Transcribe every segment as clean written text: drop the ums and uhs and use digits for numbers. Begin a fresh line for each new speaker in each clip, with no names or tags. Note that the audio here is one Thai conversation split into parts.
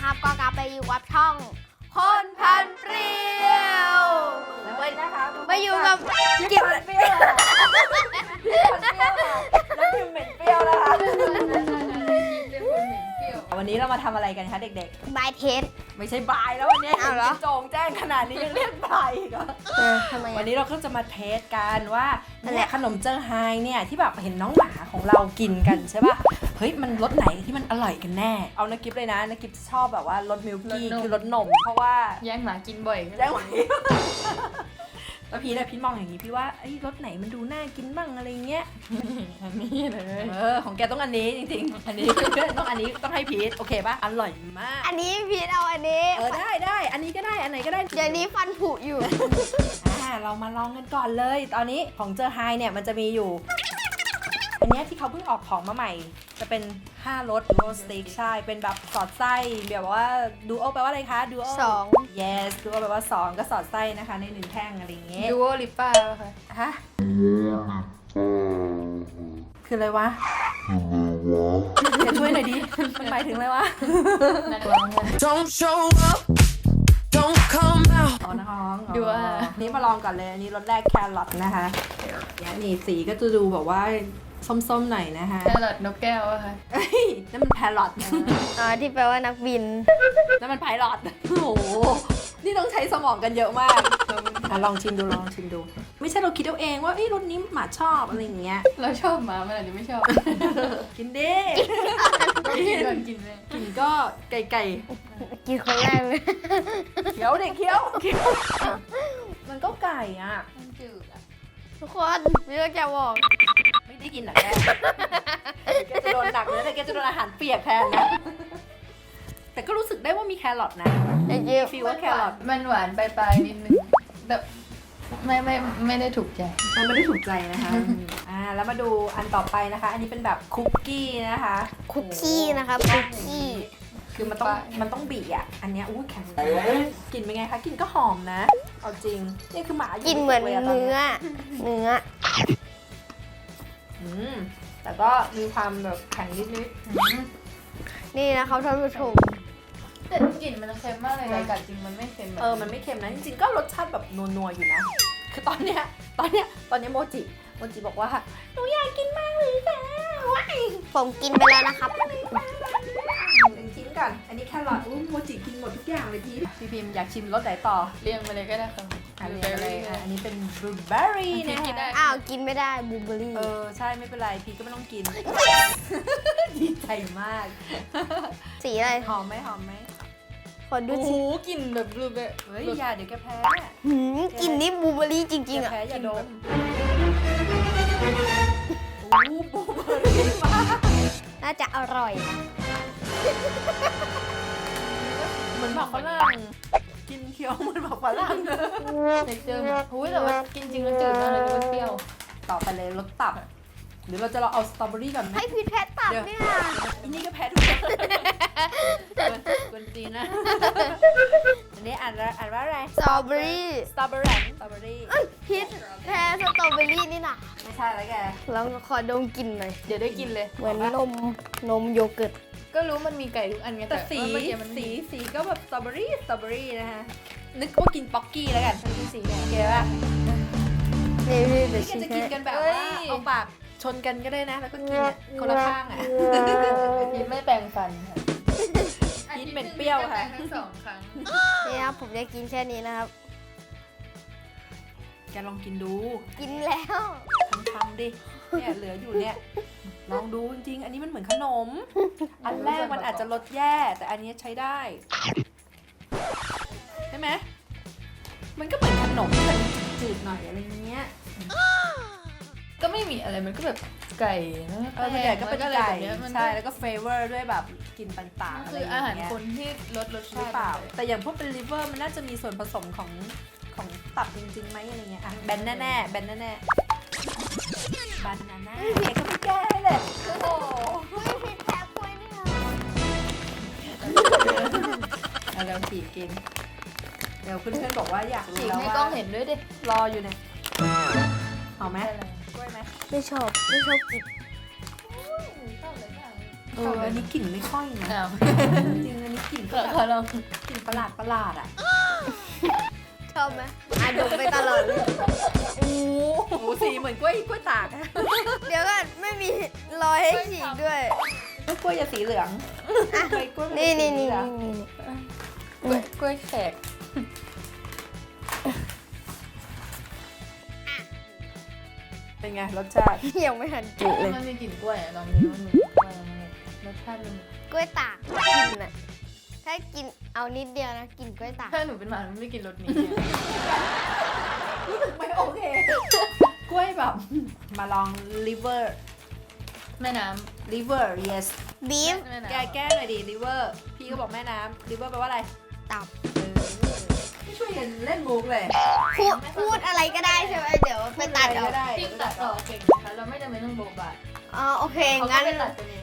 นะครับก็กลับไปอยู่กับช่องคนพันเปรี้ยว
แล้ววันนี้นะคะ
มาอยู่กับ
กิ๊บเปรี้ยวแล้วพิมเหม็นเปรี้ยวนะคะวันนี้เรามาทำอะไรกันคะเด็ก
บายเทส
ๆไม่ใช่บายแล้ววันนี้
อ้าวเหรอ
โจงแจ้งขนาดนี้ยังเรียกบายอีกเหรอ
ทำไม
วันนี้เราก็จะมาเทสกันว่าเนี่ยขนมเจอไฮเนี่ยที่แบบเห็นน้องหมาของเรากินกันใช่ป่ะเฮ้ยมันรสไหนที่มันอร่อยกันแน่เอานักกิฟเลยนะนักกิฟชอบแบบว่ารสมิลกี้คือรสนมเพราะว่า
แย่งหมากินบ่อย
แย่งหมาแล้วพี่มองอย่างนี้พี่ว่าไอ้รสไหนมันดูน่ากินบ้างอะไรเงี้ย
อันนี้เลย
ของแกต้องอันนี้จริงๆอันนี้ต้องอันนี้ต้องให้พีทโอเคป่ะอร่อยมาก
อันนี้พีทเอาอันนี้
ได้อันนี้ก็ได้อันไหนก็ได้
อย่างนี้ฟันผุอยู่
เรามาลองกันก่อนเลย ตอนนี้ของเจอไฮเนี่ยมันจะมีอยู่ อันเนี้ยที่เขาเพิ่งออกของมาใหม่ จะเป็น5รสดูโอสติ๊กใช่เป็นแบบสอดไส้แบบว่าดูโอแปลว่าอะไรคะดูโอ
2
yes ดูโอแปลว่า2ก็สอดไส้นะคะใน1แท่งอะไรอย่างเงี้ย
ดูโอลิปป้าค่ะ
ฮะคืออะไรวะเดี๋ยวช่วยหน่อยดิมันหมายถึงอะไรวะ
นักร้องค่ะ
Don't show up, don't come out.
อ๋อน้อง
ดูว่า
นี่มาลองก่อนเลยอันนี้รสแรกแครอทนะคะเนี่ยนี่สีก็จะดูแบบว่าส้มๆหน่อยนะคะ
แครอทนกแก้วอะค่ะ
เอ้ยนั่นมันแพรอท
ที่แปลว่านักบิน
นั่นมันไพลอตโอ้โหนี่ต้องใช้สมองกันเยอะมากลองชิมดู ไม่ใช่เราคิดเอาเองว่าเอ้ยรสนี้หมาชอบอะไรอย่างเงี้ย
เราชอบหมามันอาจจะไม่ชอบ
กินดิ
กินก่อนกินเลย
กินก็ไก่
กินคนแรกเลย
เคี้ยวเด็กเคี้ยวมันก็ไก่อ่ะ
มันจืดอะ
ทุกคนพี่ก็จะบอก
ไม่ได้กินหรอกแกแกจะโดนหนักเลยแต่แกจะโดนอาหารเปียกแทนนะแต่ก็รู้สึกได้ว่ามีแครอทนะ
ไอ้เจี๊ยบ
ฟีลว่าแครอท
มันหวานปลายๆนิดนึงแบบไม่ได้ถูกใจ
มันไม่ได้ถูกใจนะคะแล้วมาดูอันต่อไปนะคะ อันนี้เป็นแบบคุกกี้นะคะ
คุกกี้นะครับคุกกี้
คือมันต้องบีอ่ะ อันเนี้ยอู้แข็งกลิ่นเป็นไงคะกลิ่นก็หอมนะ เอาจริง นี่คือหมาอยู่
กินเหมือน
ลยะต
เนื้อ
แต่ก็มีความแบบแข็งนิด
นี่นะครับท่านผู้ชม
แต่กลิ่นมันเค็มมากเลยแต่กัดจริงมันไม่เค็มแบบ
มันไม่เค็มนะ จริงๆ ก็รสชาติแบบนัวๆ อยู่นะ คือตอนเนี้ยโมจิบอกว่าหนูอยากกินมากเลยค่ะว้าย
ผมกินไปแล้วนะครับ
หนึ่งชิ้นก่อน อันนี้แครอทโมจิกินหมดทุกอย่างเลยพี่พิมอยากชิมรสไหนต่อ
เรียงไปเลยก็ได้ค่ะ
อันนี้อันนี้เป็นบลูเบอร์รี่นะ
กินได้
คะ
อ้าวกินไม่ได้บลูเบอร์รี่
ใช่ไม่เป็นไรพี่ก็ไม่ต้องกิน ดีใจมาก
สีอะไร
หอมไหม
ขอดู
โอ้โห
สิ
กลิ่นแบบรูแบบ
เฮ้ยอย่าเดี๋ยวแกแพ้
กลิ่นนี่บลูเบอร์รี่จริงๆอ่ะ
แพ้อย่าดมโอ้บลูเบอร์รี่มาก
น่าจะอร่อยนะ
เหมือนหมากฝรั่งกินเคี้ยวเหมือนหมากฝรั่ง
เท็กเจอร์หุ้ยแต่ว่ากินจริงมันจืดมากเลยดูมันเปรี้ยว
ต่อไปเลยรสตับหรือเราจะเอาสตรอเบอรี่ก่อนไหม
ให้พีทแพทตับเนี่ย
อันนี้ก็แพ้ทุกอย่างกวนตีนนะอันนี้อ่านว่าอะไร
สตรอเบอรี่
สตรอเบอรี่
พีทแพ้สตรอเบอรี่นี่นะ
ไม่ใช่แล้วแก
ลองขอดมกลิ่นหน่อย
เดี๋ยวได้กินเลย
เหมือนนมโยเกิร์ต
ก็รู้มันมีไก่ทุกอันไง
แต่สี
ว่าเมื่อกี้มัน
สีก็แบบสตรอเบอรี่นะคะนึกว่ากินป๊อกกี้แล้วกันมันเป็นสีเนี่ยแกว่า
นี่เดี๋ยว
แก
ชิม
จะ
ให้
กินกันแบบว่าเอาปากชนกันก็ได้นะ แล้วก็กินเนี่ยคนละข้างอ่ะ
กินไม่แปรงฟันค่ะ
กินเหม็นเปรี้ยวค่ะ
ทั้งสองครั้ง
นี่ครับผมจะกินแค่นี้นะครับ
แกลองกินดู
กินแล้ว
ทำดิเนี่ยเหลืออยู่เนี่ยลองดูจริงๆอันนี้มันเหมือนขนม อันแรกมันอาจจะรสแย่แต่อันนี้ใช้ได้ใช่ไหมมันก็เหมือนขนมแต่จืดหน่อยอะไรเงี้ย
ก็ไม่มีอะไรมันก็แบบไก่นะ
ส่วนใหญ่ก็เป็นไก่
แบบนี้มัน
ใช่แล้วก็เฟเวอร์ด้วยแบบกลิ่นต่างๆ
มัน
อะไร
คือ
อย่าง
อาหาร
เงี้ย
คนที่ลดรส
ห
ชา
รือ
ติ
เปล่าแต่อย่างพวกเป็นลิเวอร์มันน่าจะมีส่วนผสมของตับจริงๆไหมอะไรเงี้ยอ่ะแบนแน่ๆแบนนาน่าเด็กก็ไม่แก้ให้เลยโอ้โห
พีทแพ้ป่วยนี่นะ
เอาแล้วฉีกกินเดี๋ยวเพื่อนๆบอกว่าอยากรู้
ฉีก
แล้ว
ให้
ว่าก
ล้องเห็นด้วยดิ
รออยู่เนี่ยเอาไหม
อะไร
กล้วยไหม
ไม่ชอบกิน
ชอบเลยค่ะ
อันนี้กลิ่นไม่ค่อยนะ
อ้าว
จริงอันนี้กลิ่น
ข
ก็
อ
แบบ
ขอลอง
กลิ่นประหลาดอ่ะ
ชอบไหมดมไปตลอดเลย
โอ้โหสีเหมือนกล้วยตากอะ
เดี๋ยวก่อนไม่มีรอยให้ฉีกด้วย
กล้วยจะสีเหลืองใบกล้วยมัจะ
นี่
สี
นี่
เห
นี่
ลือง
กล้วยแขก
เป็นไงรสชาติ
ยังไม่ทันจุเลย
มันมีกลิ่นกล้วยอะลองดูมันรสชาติมัน
กล้วยตากกินน่ะถ้ากินเอานิดเดียวนะกินกล้วยตาก
ถ้าหนูเป็นหมาหนูไม่กินรสนี้
รู้สึกไม่โอเค กล้วยแบบ มาลอง liver
แม่น้
liver yes
บีฟ
ำแม่
แก
น้ำ
แก้หน่อยดิ liver พี่ก็บอกแม่น้ำ liver แปลว่าอะไร
ตับ
ไม่ช่วยกันเล่นมุกเลย
พูดอะไรก็ได้ใช่ไหมเดี๋ยวไปตัดเอา
ก็ได้
พี่ตัดต่อเก่งนะคะเราไม่จำเป็นต้องโบบะ
อ๋อโอเค
เขาก็
งั้น
ไปตัดกันเอง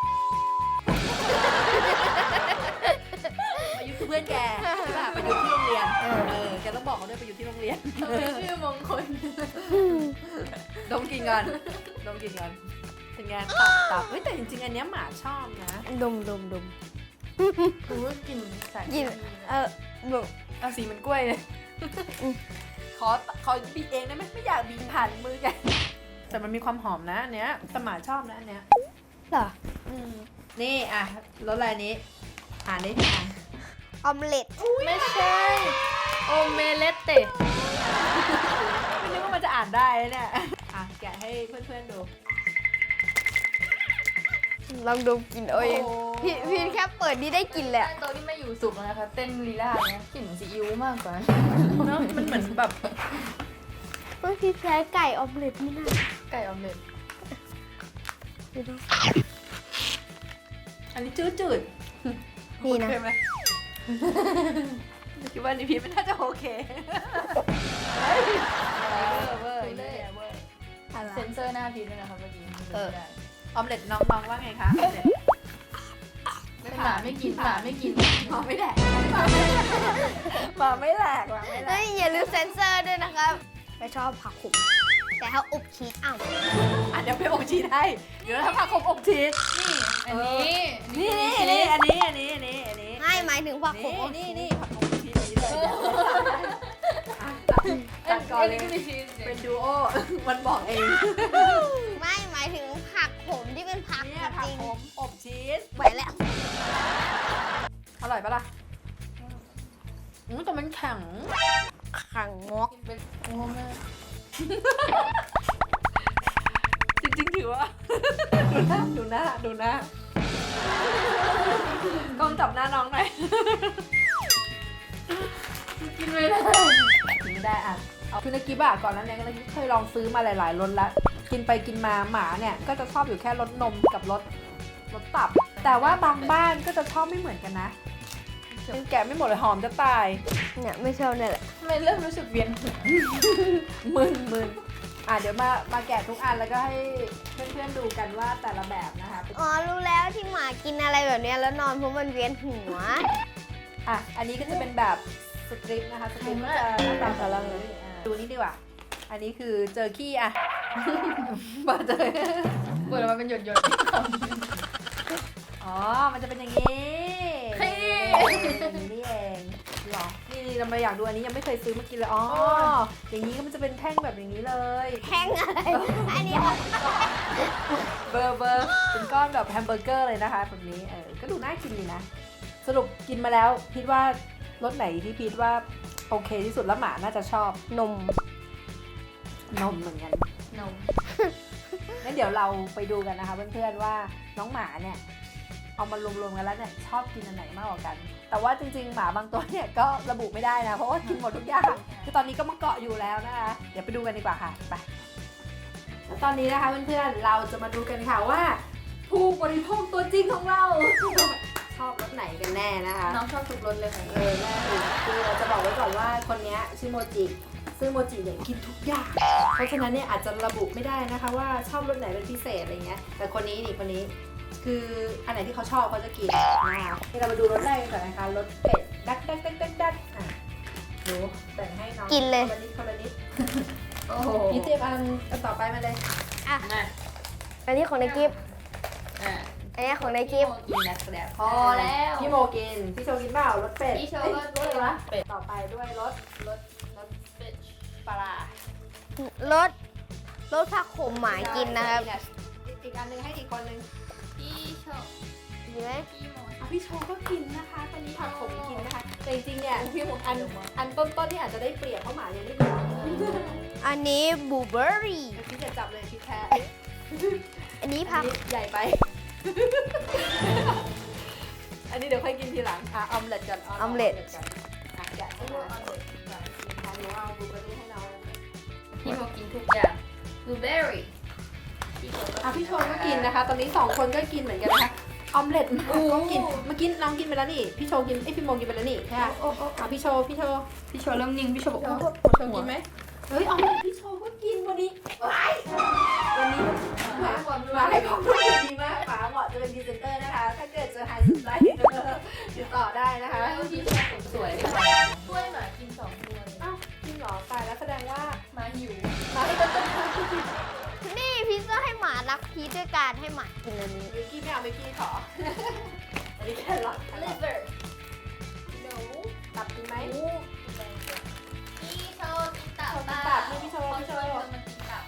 ประยุทธ์คือเพื่อนแกใช่ป่ะประยุทธ์ที่โรงเรียน แกต้องบอกเขาด้วยประยุทธ์ที่โรงเรียน
เป็นชื่อมงคล
ดมกินก่อนดมกินก่อนเป็นไงตับเฮ้ยแต่จริงๆ อันเนี้ยหมาชอบนะ
ดม
หนูว่ากลิ่นสาร
กินแบบ
เอาสีเหมันกล้วยเลย ขอบีบเองได้ไหมไม่อยากบีบผ่านมือแกแต่มันมีความหอมนะอันเนี้ยแต่หมาชอบนะอันเนี้ย
เหรอ
นี่อ่ะรสอะไรนี้อ่านได้อ่าน
ออมเล็ต
ไม่ใช่โอเมเลตเต
ไม่นึกว่ามันจะอ่านได้นะเนี่ยอ่ะแกะให้เพื่อนๆดู
ลองดมกินเอาเอง
โอ้
พี่แค่เปิดนี่ได้กลินแหละ
โต๊ะที่ไม่อยู่สุกนะคะ เต้นลีลาเนี่ยกลิ่นซีอิ๊วมากกว่า
เนอะมันเหมือนแบบ
เฮ้ยพี่แพ้ไก่ออมเล็ตนี่นะ
ไก่ออมเล็ต
ดูดิ
อันนี้จืด
นี่นะ
โอเคไหมคิดว่านี่พีไม่น่าจะโอเคเวอร์เวอร์
เซ็นเซอร์หน้าพีด้วยนะคะเมื่อกี้
ออมเล็ตน้องว่าไงคะออมเล็ต
หมาไม่กินหมาไม่กิน
หมาไม่แดกหมาไม่แหลกหมาไม่แหล
เฮ้
ก
ยอย่าลืมเซ็นเซอร์ด้วยนะครับไม่ชอบผักขมแต่ถ้าอบชีสอ้าว
อ่ะเดี๋ยวไปอบชีสให้เดี๋ยวถ้าพาคมอบชีส
อันนี้
นี่อันนี้
ไม่หมายถึงผักขมอบชีส
นี่ผักขมอบชีสนี้เลยตัดก่อนเลย เป็นดูโอ มันบอกเอง
ไม่หมายถึงผักขมที่เป็นผัก
เนี่ยผั
จ
ก
ริง
ขมอบชีส
ไปแล้ว
อร่อยปะล่ะแต่มันแข็ง
ขังงอก
เป็นโอ้แม่
จริงๆถือว่า ดูหน้ากล้องจับหน้าน้องหน่อย
กินไม่ได้
กินไม่ได้อ่ะเอาคือในกิบอะก่อนนั้นเนี่ยก็เคยลองซื้อมาหลายๆรสแล้วกินไปกินมาหมาเนี่ยก็จะชอบอยู่แค่รสนมกับรสตับ แต่ว่าบางบ้านก็จะชอบไม่เหมือนกันนะยังแกะไม่หมดเลยหอมจะตาย
เนี่ยไม่ชอบเนี่ยแหละ
ทำไมเริ่มรู้สึกเวียนหัว
มึนอ่ะเดี๋ยวมาแกะทุกอันแล้วก็ให้เพื่อนๆดูกันว่าแต่ละแบบนะคะ
อ๋อรู้แล้วที่หมากินอะไรแบบเนี้ยแล้วนอนเพราะมันเวียนหัว
อ่ะอันนี้ก็จะเป็นแบบสตริปนะคะสตริปก็จะหน้าตาแบบนี้ดูนี่ดีกว่าอันนี้คือเจอขี้อ่ะ เปิดเลย
เปิดออกมาเป็นหยด
อ๋อ มันจะเป็นอย่างนี้
เฮ้ย
นี่เองหรอ นี่เรามาอยากดูอันนี้ยังไม่เคยซื้อมากินเลย อ๋อ อย่างนี้ก็มันจะเป็นแท่งแบบอย่างนี้เลย
แห้งอะไร อันนี้
เบอร์เป็นก้อนแบบแฮมเบอร์เกอร์เลยนะคะแบบนี้ ก็ดูน่ากินดีนะ สรุปกินมาแล้วพีทว่ารสไหนที่พีทว่าโอเคที่สุดแล้วหมาน่าจะชอบ
นม
นมเหมือนกัน
นม
งั้นเดี๋ยวเราไปดูกันนะคะเพื่อนๆว่าน้องหมาเนี่ยเอามารวมๆกันแล้วเนี่ยชอบกินอันไหนมากกว่ากัน แต่ว่าจริงๆหมาบางตัวเนี่ยก็ระบุไม่ได้นะเพราะว่ากินหมดทุกอย่างคือตอนนี้ก็มาเกาะอยู่แล้วนะคะเดี๋ยวไปดูกันดีกว่าค่ะไปแล้วตอนนี้นะคะเพื่อนๆเราจะมาดูกันค่ะว่าผู้บริโภคตัวจริงของเรา ชอบรสไหนกันแน่นะคะ
น้องชอบทุกรสเลยค่ะ
แน่คือเราจะบอกไว้ก่อนว่าคนนี้ชื่อโมจิซึ่งโมจิเนี่ยกินทุกอย่าง เพราะฉะนั้นเนี่ยอาจจะระบุไม่ได้นะคะว่าชอบรสไหนเป็นพิเศษอะไรเงี้ย แต่คนนี้คืออันไหนที่เขาชอบเขาจะกินนะคะเรามาดูรสแรกกันก่อนนะคะรสเป็ดดักอ่ะดูแบ่งให้น้อง
กินเลย
คนละนิด
โอ้โห
นี่เตรียมอันต่อไปมาเลย
อ่ะ
น่ะ
อันนี้ของในกิฟต์
อ่ะ
อันนี้ของในคลิป
กินนะครับพอแล้ว
พี่โมกิน พี่โชกินเปล่ารสเป็ด
พี่โชก็
รสอะไรวะ
เป็ด
ต่อไปด้วยรส
รสเป็ด
ปลาร้าร
สผักขมหมากินนะครับ
อีกอันหนึงให้อีกคนนึง
พี่โช
ดีไหม
พี่โม
พี่โชก็กินนะคะ ตอนนี้ผักขมกินนะคะ แต่จริงๆเนี่ย
พี่โม
อันต้นๆที่อาจจะได้เปรียบเพราะหมายังไม่กิน
อันนี้บลูเบอร์รี่
พี่จะจับเลยพี่แค่
อันนี้
อั
ผั
น
ก
นี้ใหญ่ไป อันนี้เดี๋ยวค่อยกินทีหลังออมเล็ตก่อนออมเล็ตก่อนแกะให้เราออมเล็ตก่อนหนูเอาบลูเบอร์รี่ให้น้อง
พี่โมกินทุกอย่างบลูเบอร์รี่
พี่โชก็กินนะคะ ตอนนี้2คนก็กินเหมือนกันนะคะ ออมเล็ตก็กิน เมื่อกี้น้องกินไปแล้วนี่ พี่โชกินพี่โมกินไปแล้วนี่ใช่ไหมพี่โช
พี่โชเริ่มนิ่งพี่โชบอกว่า
โชกินไหมเฮ้ยออมเล็ตพี่โชก็กินวันนี้วันนี้มาให้ความรู้ดีมากป๋าเหมาะจะเป็นพรีเซนเตอร์นะคะ ถ้าเกิดจะหายสนใจติดต่อได้นะคะ
พี่โชสวยเลยช่วยหมากิน2 ตัวเลย
อ้าวจริงเหรอตายแล้วแสดงว่า
หมาหิว
นี่พิซซ่าให้หมารักพีชด้วยการให้หมากินอันนี้
มิกกี้ไม่เอามิกกี้ขออันนี้แค่หลอด
ลิเวอร์
หนูตับกินไหม
พี่โชกินตับ
ตับนี่พี่โช
เขาช่วยคนมากินตับ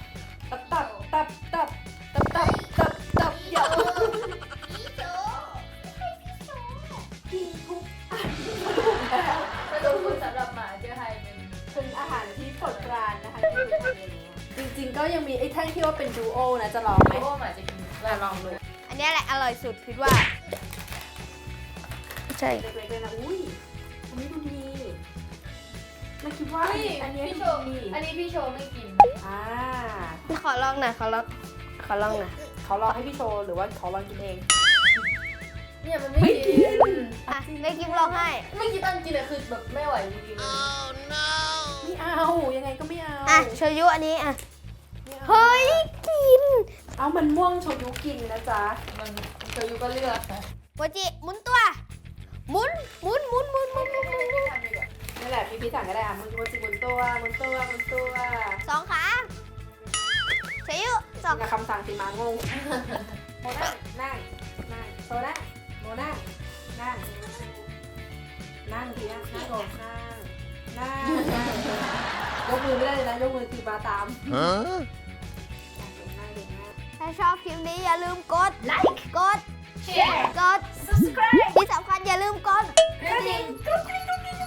ตับเดี๋ยว
พี่โช
กินทุกอัน
กระดูกคุณสำหรับหมาเจอไฮเป็น
อาหารที่โปรดปรานนะคะที่ทุกคนอย่างเงี้ยจริงๆก็ยังมีไอ้แท่งที่ว่าเป็นดูโอนะจะลองไหม
โอ้หมาจะกินแล้วลองดู
อันนี้แหละอร่อยสุดพิดว่า ใช่
เล็กๆเลยนะอุ้ยอันนี้ดูดีไม่คิดว่าอันนี้
พี่
ดู
โช
ดี
อันนี้พี่โชไม่กิน
อ่า
ขอลองหน่อยขอลองหน่อย
เขาลองให้พี่โชว์หรือว่าเขาลองกินเอง
เนี่ยมันไม่กิน
อ่ะไม่กินลองให้
ไม่กินอันกินเลยคือแบบไม่ไหวจริงๆ
ไม่เอายังไงก็ไม่เอา
อ่ะโชยุอันนี้อ่ะ
ไม่อา
เฮ้ยกิน
เอามันม่วงโชยุกินนะจ๊ะ
มันโชยุก็เลือกค่ะ
โมจิหมุนตัวหมุน
นี่แหละพี่สั่งก็ได้อ่ะมันจิหมุนตัว
สองขาโชยุสอง
กับคำสั่งสิมางงโมนั่งโซนั่งโมนั่งทีนั่งลงนั่งยกมือไม่ได้เลยนะยกมือคือมาตาม
Huh?
ถ้าชอบคลิปนี้อย่าลืมกดไลค์กด
แชร์
กด subscribe ที่สำคัญอย่าลืมกด
กระดิ่ง